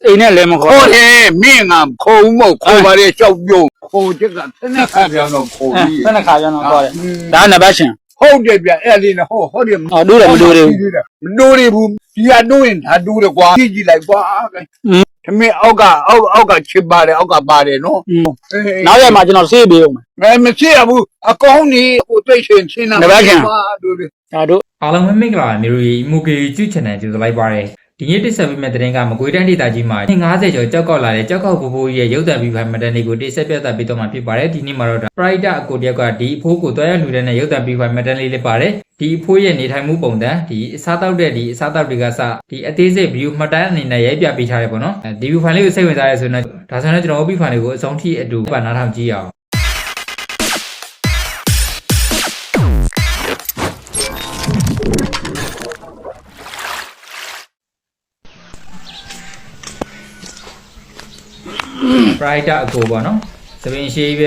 အိမ်နဲ့လည်းမခေါ်ခေါ်တယ်မင်းကခုံမဟုတ်ခေါ်ပါလေကြောက်ပြုံးခေါ်ချက်ကတနက်ခါပြောင်းတော့ခေါ်ပြီးဆက်နှစ်ခါပြန်တော့ခေါ်တယ်ဒါနံပါတ်ရှင်ဟုတ်တယ်ဗျအဲ့လေးနဲ့ဟုတ်တယ်အော်တို့တယ်မတို့တယ်မတိုးရဘူးဒီကတိုးရင်ဒါတိုးတယ်ကွာကြည့်ကြည့်လိုက်ကွာသမင်းအောက်ကချစ်ပါတယ်အောက်ကပါတယ်နော်နောက်ရမှာကျွန်တော်ဆေးပေးအောင်မရှိရဘူးအကောင်းကြီးကိုသိရှင်ချင်းတာတို့ဒါတို့အားလုံးပဲမင်္ဂလာပါမျိုးရီမူကေကျူချန်နယ်ကြိုဆိုလိုက်ပါရစေဒီနေ့တိဆက်ပေးမယ့်သတင်းကမကွေးတိုင်းဒေသကြီးမှာ50ကျော်ကြောက်ကောက်လာတဲ့ကြောက်ကောက်ဘိုးဘိုးကြီးရဲ့ရုပ်သံဗီဖိုင်မတန်လေးကိုတိဆက်ပြသပေးတော့မှာဖြစ်ပါတယ်ဒီနေ့မှာတော့ပရိုက်တာအကိုတယောက်ကဒီအဖိုးကိုတွားရလှူတဲ့ရုပ်သံဗီဖိုင်မတန်လေးလေးပါတယ်ဒီအဖိုးရဲ့နေထိုင်မှုပုံစံဒီအစားတောက်တဲ့ဒီအစားတောက်တွေကစဒီအသေးစိတ်ဗီဒီယိုမှတ်တမ်းအနေနဲ့ရိုက်ပြပေးထားတယ်ပေါ့နော်ဒီဗီဖိုင်လေးကိုစိတ်ဝင်စားရဆိုရင်ဒါဆိုရင်ကျွန်တော်ဗီဖိုင်လေးကိုအဆုံးထိအတူပါနားထောင်ကြည့်အောင်ပရိုက်တာအကိုပေါ့နော်သပင်ရှိပဲ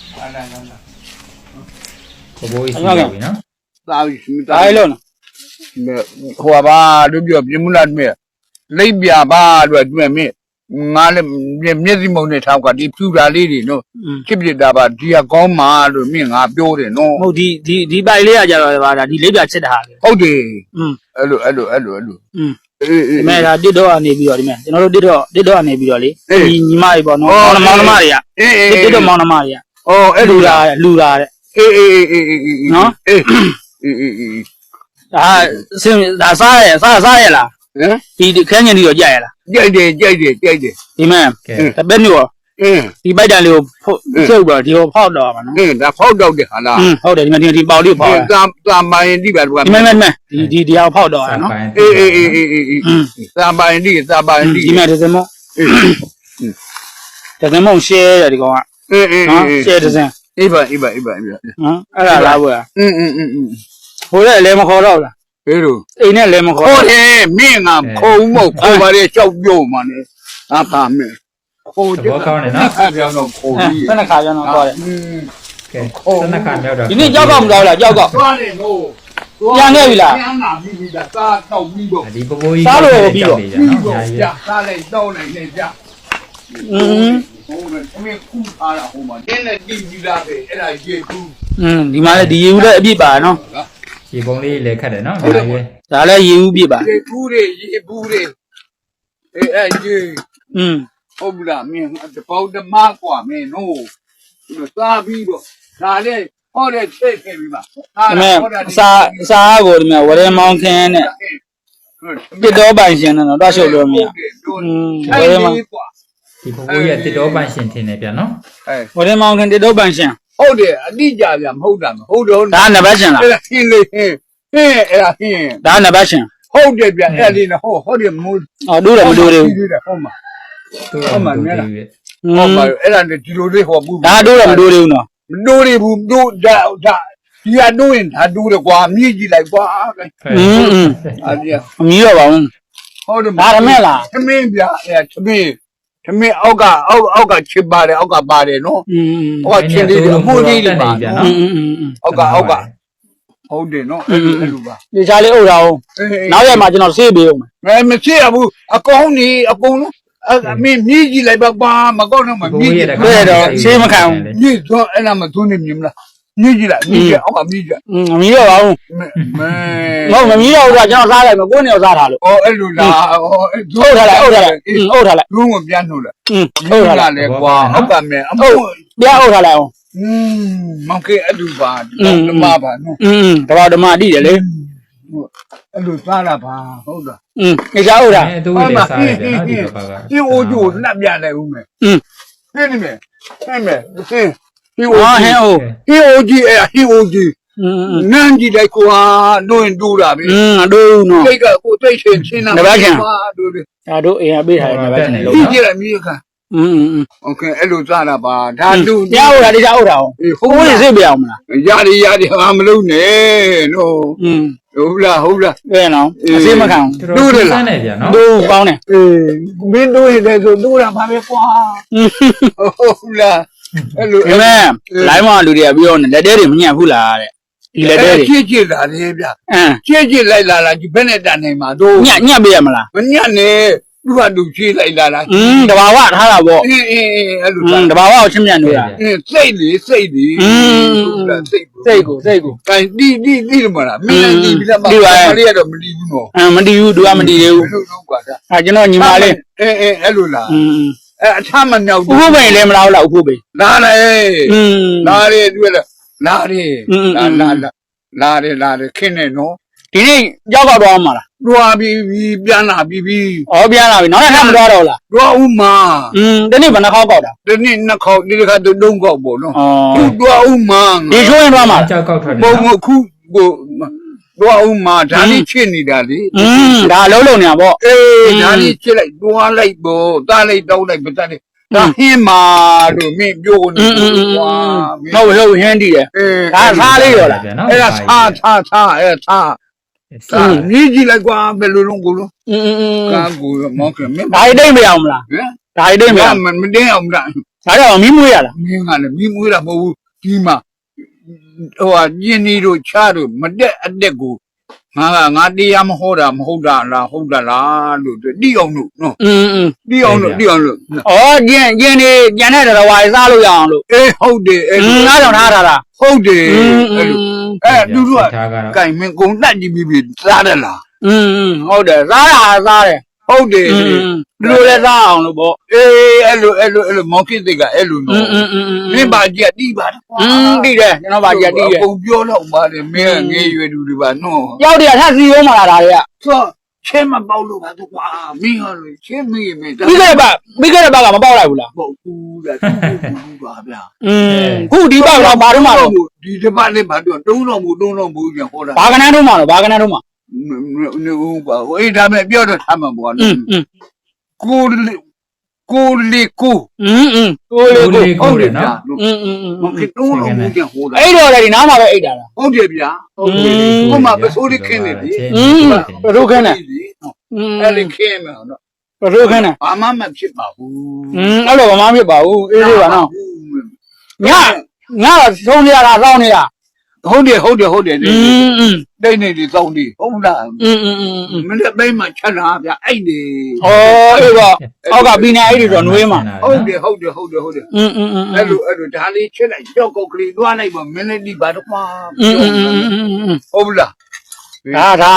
ဘဘိုးကြီးရှိပြီနော်သာပြီဒါလေးလုံးဟိုပါတို့ပြောပြမှုလားမြဲလိပ်ပြပါတို့တွေ့မြဲငါလည်းမျက်စိမုံနဲ့ထောက်ကဒီဖြူတာလေးတွေနော်ချစ်ပြတာပါဒီကကောင်းမှာလို့မြင်ငါပြောတယ်နော်ဟုတ်ဒီပိုက်လေးကကြတော့ဗာဒါဒီလိပ်ပြချစ်တာဟာဟုတ်တယ်အဲ့လိုအေးဒီမဲ့ဒါတစ်တော့ကနေပြီးတော့ဒီမဲ့ကျွန်တော်တို့တစ်တော့ကနေပြီးတော့လေဒီညီမတွေပေါ့နော်မောင်နှမတွေကတစ်တော့မောင်နှမတွေကအော်အဲ့လူလိုလာတဲ့အေးနော်အေးဒါစင်ဒါစားရလားဟမ်ဒီခန်းကျင်ဒီတော့ကြက်ရလားကြိုက်တယ်ဒီမဲ့တပည့်မျိုး ဒီပိုက်တန်လေးကိုဖြုတ်တော့ဒီကိုဖောက်တော့မှာနော်ဒါဖောက်တော့တယ်ဟာလားဟုတ်တယ်ဒီမဲ့ဒီပေါက်လေးဖောက်သာမိုင်းဒီပါတော့ဒီမဲ့ဒီအောင်ဖောက်တော့ရနော်အေးသာမိုင်းဒီဒီမဲ့ဒဇမုံရှဲတယ်ဒီကောင်က နော်ရှဲဒဇင်အေးပါနော်အဲ့ဒါလားဘွာဟိုလည်းလည်းမခေါ်တော့လားဘယ်လိုအိမ်နဲ့လည်းမခေါ်ခေါ်တယ်မင်းကခုံမဟုတ်ခေါ်ပါလေကြောက်ပြုံးမှာနဲ့ဟာပါမင်းခေါ်တယ်ပြောင်းတော့ခေါ်ပြီးဆက်နှစ်ခါပြန်တော့ခေါ်တယ်ကဲစနခါမြောက်တော့ဒီနေ့ကြောက်ကောက်မလို့လားကြောက်ကောက်သွားတယ်လို့ပြန်လာပြီဒါစားတော့ပြီးတော့ဒီဘဘိုးကြီးကြောက်နေကြနော်ညာကြီးစားလိုက်တော့လိုက်နေကြอืมဟိုကမင်းခုထားတာဟိုမှာတင်းနဲ့တီးပြီးသားပဲအဲ့ဒါရေကူးဒီမှာလည်းဒီရေဦးလည်းအပြည့်ပါနော်ရေပုံလေးလည်းခတ်တယ်နော်ညာကြီးဒါလည်းရေဦးပြည့်ပါရေကူးတွေရေဘူးတွေအဲ့ရေ ဟုတ်ဘူးလားမင်းတပေါင်းတမกว่าမင်းနို့စားပြီးတော့ဒါလည်းဟောတဲ့ချက်ခဲ့ပြီပါဒီမဲ့အစာကိုဒီမဲ့ဝရဲမောင်းခင်းနဲ့တစ်တော့ပိုင်ရှင်နဲ့တော့တွားရှုပ်လို့မရဝရဲမှာกว่าဒီဘဘိုးကြီးကတစ်တော်ပန့်ရှင်ထင်တယ်ဗျာနော်ဝရဲမောင်းခင်းတစ်တော့ပိုင်ရှင်ဟုတ်တယ်အတိကြဗျမဟုတ်တာမဟုတ်တော့ဒါနံပါတ်ရှင်လားအဲ့ဒါဟင်းလေးဟင်းအဲ့ဒါဟင်းဒါနံပါတ်ရှင်ဟုတ်တယ်ဗျအဲ့ဒီနော်ဟုတ်တယ်မိုးအော်တို့တယ်မတို့တယ်ဟုတ်မှာဟုတ်မှန်တယ်ဟုတ်ပါအဲ့ဒါဒီလိုလေးဟောဘူးဒါတို့တယ်မတို့တယ်နော်မတိုးရဘူးတို့ဒါဒီကတို့ရင်ဒါတိုးတယ်ကွာမြည်ကြည့်လိုက်ကွာအဲ့ဒီအမီးတော့ပါဘူးဟုတ်တယ်ဒါရမဲ့လားသမင်းဗျအဲ့သမင်းအောက်ကချစ်ပါတယ်အောက်ကပါတယ်နော်ဟောချင်းလေးအမှုလေးတွေပါ အောက်ကဟုတ်တယ်နော်အဲ့လိုပါဒီချာလေးအုပ်တာအောင်နောက်ရမှာကျွန်တော်ဆေးပေးအောင်မရှိရဘူးအကောင်းကြီးအကုန်လုံးအမင်းမြည်ကြည့်လိုက်ပါမကောင်းတော့မမြည်ကြည့်တဲ့တော့ဆေးမခံဘူးမြည်တော့အဲ့ဒါမသွင်းနေမြင်မလားမြည်ကြည့်လိုက်မြည်ကြအောက်ကမြည်ကြအမီးတော့ပါဘူးမဲမမီးတော့ကကျွန်တော်စားလိုက်မယ်ကိုယ်နေတော့စားထားလို့အော်အဲ့လိုလားအော်အုပ်ထားလိုက်လုံးဝပြန်နှုတ်လိုက်အုပ်ထားလိုက်လေကွာအောက်ကမဲအမှုပြန်အုပ်ထားလိုက်အောင်မောင်ကေအဲ့လိုပါဓမ္မပါနော်တဘာဓမ္မတိတယ်လေအဲ့လိုစားတာပါဟုတ်လားနေချာအုပ်တာအဲသူလည်းစားရတယ်နော်ဒီဘက်ကဒီအိုဂျိုနှက်ပြနိုင်ဦးမယ်ဟင်းနေမယ်ဟင်းမယ်ဟင်းဒီအိုဟင်းအိုဟင်းအိုကြီးအဲ့ဟင်းအိုကြီးနန်းကြီးလိုက်ကွာတို့ရင်တို့တာပဲတို့နော်စိတ်ကကိုသိချင်းတာတို့လေဒါတို့အိမ်ကပေးထားတယ်နံပါတ်ရှင်လို့ဒီကြည့်ရမြေခါโอเคအဲ့လိုစားတာပါဒါလူပြအုပ်တာဒီချာအုပ်တာအောင်ကိုယ်စိတ်ပြအောင်မလားရတယ်ဟာမလုံးနဲ့နော်ဟုတ်လားတဲ့နော်အစိမခံတို့တယ်လားဗျာနော်တို့ပေါင်းတယ်မင်းတို့ရဲ့ဆိုတို့တာပါပဲကွာဟုတ်လားအဲ့လိုဒီမဲ့လိုင်းမလူတွေကပြောနေလက်တဲတွေမညံ့ဘူးလားတဲ့ဒီလက်တဲတွေကြည့်လာတယ်ဗျကြည့်လိုက်လာဒီဘက်နဲ့တန်နေမှာတို့ညံ့ပေးရမလားမညံ့နဲ့သူသူကသူချေးလိုက်လာတာတဘာဝထားတာပေါ့အေးအဲ့လိုတဘာဝကိုချင်းမြန်နေတာစိတ်လေစိတ်လေစိတ်စိတ်ကိုကဲတီလို့မလားမင်းတီပြီးတော့မလေးကတော့မတီးဘူးနော်မတည်ဘူးသူကမတည်သေးဘူးလို့တော့ကွာဒါကျွန်တော်ညီမလေးအဲ့လိုလားအထမမြောက်ဥပုပ်ပိန်လည်းမလားဟုတ်လားဥပုပ်ပိန်လာလေလာလေတွေ့လားလာလေခင်းနေနော်ဒီနေ့ရောက်တော့မှာလားတွားပြီးပြန်လာပြီးပြန်လာပြီနောက်တစ်ခါမသွားတော့လားတွားဦးမှာဒီနေ့ဘယ်နှခေါက်ပေါက်တာဒီနေ့နှစ်ခေါက်ဒီတစ်ခါတုံးခေါက်ပေါ့နော်ဩသူတွားဦးမှာဒီချိုးရင်သွားမှာလားကြောက်ကောက်ထွက်နေဘုံခုကိုတွားဦးမှာဒါလေးချစ်နေတာလေဒါလုံးလုံးနေတာပေါ့ဒါလေးချစ်လိုက်တွားလိုက်ပေါ့တားလိုက်တောင်းလိုက်ပတ်တယ်ဒါဟင်းမာလို့မင်းပြောနေကွာဟုတ်ဟင်းတည်တယ်ဒါစားလေးရောလားအဲ့ဒါစားနီးကြည့်လိုက်ကွာဘယ်လိုလုံးကိုလုံးကာကိုမောက်ခင်မင်းဒါအိတ်တိတ်မရအောင်မလားဟမ်ဒါအိတ်တိတ်မရအောင်မတင်းအောင်လားဒါတော့မီးမွေးရလားမင်းကလည်းမိမွေးတာမဟုတ်ဘူးဒီမှာဟိုညင်းနီတို့ချားတို့မတက်အတက်ကိုငါတရားမဟောတာမဟုတ်တာလားဟုတ်တာလားလို့တိအောင်လို့နော်တိအောင်လို့ဩကျင်းနေကျန်တဲ့တော်ဝါးစားလို့ရအောင်လို့ဟုတ်တယ်ငါးကြောင်ထားတာလားဟုတ်တယ်အဲ့လိုသူတို့ကထားကတော့ကင်မင်းကုံတက်ကြည့်ပြီးစားတယ်လားဟုတ်တယ်စားတာစားတယ်ဟုတ်တယ်ဒီလိုလဲစားအောင်လို့ပေါ့အဲ့လိုမောင်ကိတ်ကအဲ့လိုနော်မင်းပါကြတိပါတော့တိတယ်ကျွန်တော်ပါကြတိတယ်ပုံပြောတော့ပါတယ်မင်းငယ်ရွယ်သူတွေပါနော်ရောက်တယ်ထပ်စီရောမလားဒါတွေကဆိုချင်းမပေါက်လို့ပါတော့ကွာမင်းဟာလို့ချင်းမင်းမင်းပြီးခဲ့တဲ့ဘက်ကမပေါက်လိုက်ဘူးလားပုတ်ဘူးလားဘူးပါဗျာခုဒီဘက်တော့ဘာတော့မှတော့ဒီတစ်ပတ်လေးဘာတော့တုံးတော့ဘူးပြန်ဟောတာဘာကနန်းတော့မှတော့ဘာကနန်းတော့မှနေဦးပါအေးဒါမဲ့ပြောတော့ထားမှာပေါ့နော်ကိုလေးကိုကိုလေးကိုကိုတယ်နော်မဖြစ်တုံးတော့ဘူးပြန်ဟောတာအဲ့တော့လေဒီနားမှာပဲအိတ်တာလားဟုတ်တယ်ဗျာဟုတ်တယ်ဟိုမှာပစိုးလေးခင်းနေပြီဘယ်လိုခင်းလဲအဲ့ဒီခင်းမှာနော်ဘယ်လိုခင်းလဲဘာမှမဖြစ်ပါဘူးအဲ့လိုမမဖြစ်ပါဘူးအေးလေးပါနော်ညတော့သုံးနေရတာစောင်းနေရဟုတ်တယ်တိတ်နေဒီစောင်းဒီဟုတ်လားမနေ့ပိုင်းမှာချက်လာဗျအဲ့ဒီဩအေးပေါ့အောက်ကဘီနာအိတ်တွေတော့နှွေးမှာဟုတ်တယ်အဲ့လိုဒါလေးချက်လိုက်ကြောက်ကောက်ကလေးတွားလိုက်ပါမင်းလေးဒီပါတော့ကွာဟုတ်လားဒါ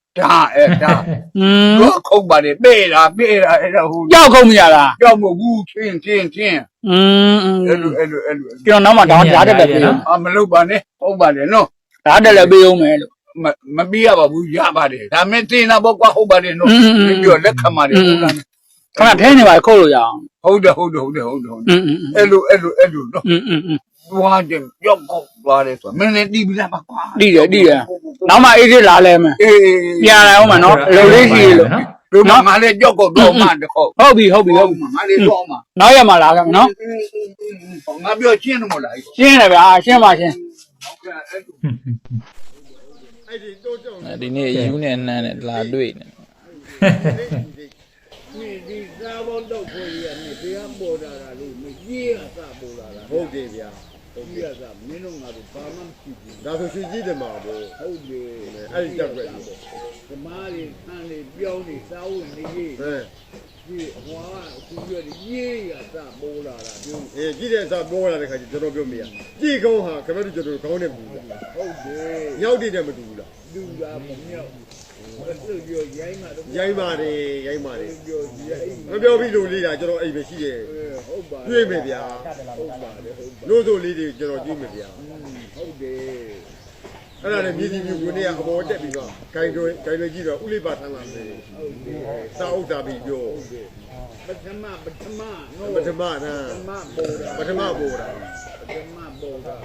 တော့ခုတ်ပါတယ်ပေးတာအဲ့ဒါဟိုကြောက်ခုံးမရလားကြောက်မဘူးချင်းအဲ့လိုကျွန်တော်နောက်မှဓာတ်တက်ပေးအောင်မလုပ်ပါနဲ့ဟုတ်ပါတယ်နော်ဓာတ်တက်လည်းပေးအောင်မယ်လို့မပြီးရပါဘူးရပါတယ်ဒါမဲ့တင်တာပေါ့ကွာဟုတ်ပါတယ်နော်ပြောလက်ခံပါတယ်ဟုတ်လားခဏထဲနေပါခုတ်လို့ရအောင်ဟုတ်တယ်အဲ့လိုနော်သွားတယ်ကြောက်ကောက်သွားတယ်ဆိုမင်းလည်းတီးပြီးလားပါကွာတိတယ်နောက်မှအေးစစ်လာလဲမယ်ပြန်လာအောင်မနော်အလုပ်လေးရှိလို့တို့ငါလည်းကြောက်ကောက်တော့မှတခေါက်ဟုတ်ပြီငါလည်းတော့မှနောက်ရမှာလာခဲ့မယ်နော်ငါပြောရှင်းတယ်မို့လားရှင်းတယ်ဗျာရှင်းပါရှင်းဒီနေ့ယူနဲ့နန်းနဲ့လာတွေ့နေဒီစားဖို့တော့ခွေရနေတရားပေါ်တာလို့မကြီးရစပေါ်လာတာဟုတ်တယ်ဗျာဟုတ်ပြီကမင်းတို့ငါတို့ဘာမှမရှိဘူးဒါဆိုရွှေကြီးတယ်မှာပေါ့ဟုတ်တယ်အဲ့ဒီတက်ွက်ပေါ့ဓမ္မတွေဆန်းတွေပြောင်းနေစားဝင်နေကြီးဟဲ့ဒီဟွာအခုပြောရေးရစပေါ်လာတာပြောအေးကြည့်တဲ့အစားပေါ်လာတဲ့ခါကျကျွန်တော်ပြောမရကြည့်ကောင်းဟာခင်ဗျားတို့ကျွန်တော်ခေါင်းနဲ့မူဘူးလားဟုတ်တယ်ညောက်တည်တယ်မတူဘူးလားလူလာမမြောက်အဲ့လိုပြောရိုင်းမှာတော့ရိုင်းပါတယ်ပြောရိုင်းမပြောပြီးလို့လေးတာကျွန်တော်အိမ်ပဲရှိတယ်ဟုတ်ပါတွေ့မယ်ဗျာဟုတ်ပါတယ်ဟုတ်ပါလို့ဆိုလေးတွေကျွန်တော်ကြည့်မယ်ဗျာဟုတ်တယ်အဲ့ဒါနဲ့မြေကြီးမျိုးဝင်နေကအပေါ်တက်ပြီးတော့ဂိုင်တွေကြည့်တော့ဥလိပါထမ်းလာတယ်ဟုတ်တယ်စာအုပ်တာပြီးပြောပထမနော်ပထမနာပထမပေါ်တာပထမပေါ်တာ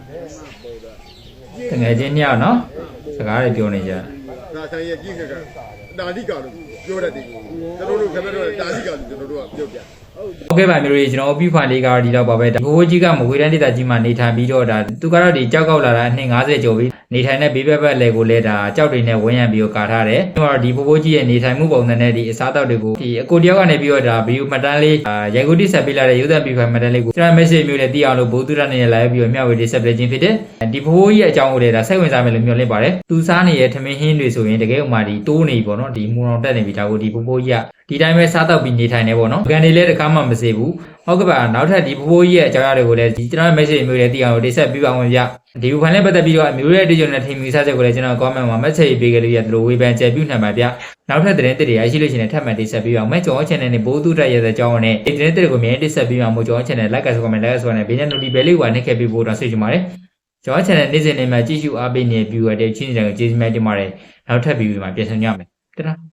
တကယ်ချင်းညောက်နော်စကားတွေပြောနေကြဒါဆိုင်ရဲ့ကြည့်နေတာတာလိကလို့ပြောတတ်တယ်ကျွန်တော်တို့ခင်ဗျားတို့တာလိကလို့ကျွန်တော်တို့ကပြောပြဟုတ်ကဲ့ပါမျိုးတွေကျွန်တော်ပြဖာလေးကတော့ဒီတော့ပါပဲဘိုးကြီးကမကွေးတန်းဒေသကြီးမှာနေထိုင်ပြီးတော့ဒါသူကတော့ဒီကြောက်ကောက်လာတာအနှစ်50ကျော်ပြီနေထိုင်တဲ့ဘေးဘက်ဘက်လေကိုလဲဒါကြောက်တွေနဲ့ဝန်းရံပြီးတော့ကာထားတယ်ကျွန်တော်ဒီဘိုးကြီးရဲ့နေထိုင်မှုပုံစံနဲ့ဒီအစားအသောက်တွေကိုဒီအကိုတယောက်ကနေပြီးတော့ဒါဗီဒီယိုမှတ်တမ်းလေးရိုက်ကူးတိဆက်ပေးလာတဲ့ရုပ်သံပြဖာမှတ်တမ်းလေးကိုကျွန်တော် message မျိုးနဲ့သိအောင်လို့ဘိုးသူရနေလာပြီးတော့မျှဝေတိဆက်ပေးခြင်းဖြစ်တယ်ဒီဘိုးကြီးရဲ့အကြောင်းကိုလည်းဒါစိတ်ဝင်စားမယ်လို့မျှော်လင့်ပါတယ်သူစားနေတဲ့ထမင်းဟင်းတွေဆိုရင်တကယ်ဥမာဒီတိုးနေပြီပေါ့နော်ဒီမူအောင်တက်နေပြီဒါကိုဒီဘိုးကြီးကဒီတိုင်းပဲစားတော့ပြီးနေထိုင်နေပေါ့နော်ကန်တွေလည်းတကားမှမစေဘူးဟုတ်ကဲ့ပါနောက်ထပ်ဒီဖိုးကြီးရဲ့အကြောင်းအရာတွေကိုလည်းဒီကျွန်တော် message မျိုးတွေတည်အောင်တိဆက်ပြပါအောင်ဗျဒီဘူဖိုင်နဲ့ပတ်သက်ပြီးတော့အမျိုးရဲ့အတွေ့အကြုံနဲ့ထင်မြင်စားချက်ကိုလည်းကျွန်တော် comment မှာ message ပေးခဲ့လို့ရတယ်လို့ဝေဖန်ကြပြနိုင်ပါဗျနောက်ထပ်သတင်းတွေရရှိလို့ရှိရင်ထပ်မံတိဆက်ပေးပါအောင်မဲ့ကျွန်တော် channel နဲ့ဘိုးသူတက်ရဲ့အကြောင်းနဲ့ဒီသတင်းတွေကိုမြန်တိဆက်ပေးပါအောင်ကျွန်တော် channel like ဆို comment like ဆိုနဲ့ဘေးနဲ့ notification လေးကိုနှိပ်ခဲ့ပေးဖို့တော့ဆွေးချင်ပါတယ်ကျွန်တော် channel နေ့စဉ်နေ့မှာကြည့်ရှုအားပေးနေ viewer တွေချင်းချင်းတွေကိုကျေးဇူးများတင်ပါတယ်နောက်ထပ် video မှာပြန်ဆောင်ကြမယ်တဒါ